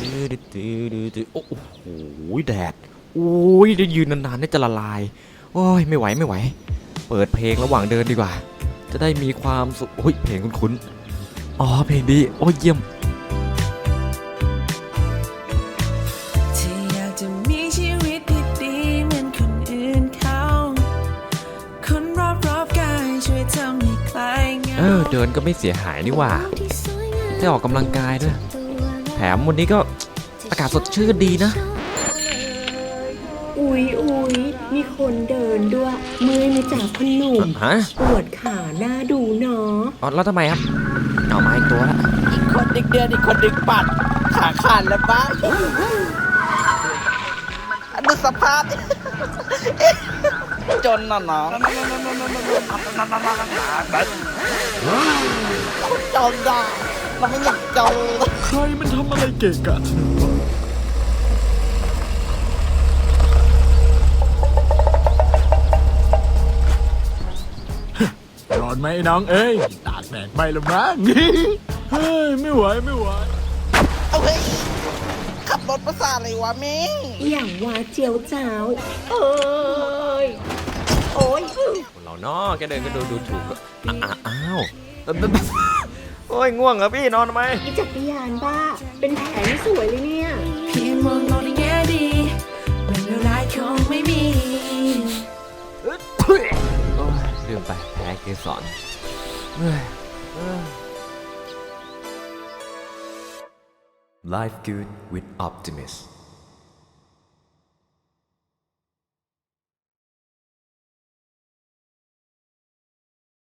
โอ้โหแดดโอ้ยได้ยืนนานๆนี่จะละลายโอ้ยไม่ไหวเปิดเพลงระหว่างเดินดีกว่าจะได้มีความสุขโอ้ยเพลงคุ้นๆอ๋อเพลงดีโอ้ยเยี่ยมเดินก็ไม่เสียหายนี่ว่าได้ออกกำลังกายด้วยแถมวันนี้ก็อากาศสดชื่นดีนะอุ๊ยมีคนเดินด้วยเมื่อยมาจากพนุ่มปวดขาหน้าดูเนาะอ๋อแล้วทำไมครับเอามาอีกตัวละอีกคนดึกเดือนอีกคนดึกปัดขาขาดแล้วบ้าดูสภาพจนน่ะเนาะคนจนได้เราไม่อยากจนใครมันทำอะไรเก่งกันร้อนไหมน้องเอ้ยตากแดดไปละมั้งเฮ้ยไม่ไหวเอาเฮ้ยขับรถภาษาอะไรวะมิงอย่างว่าเจียวจ้าวโอ้ยเราเนาะแกเดินก็ดูถูกอ้าวโอ้ยง่วงเหรอพี่นอนทำไมอีจักรยานบ้าเป็นแผลไม่สวยเลยเนี่ยเพียงมองในแง่ดีเรื่องร้ายคงไม่มีลืมไปแพ้เกสรLife good with optimist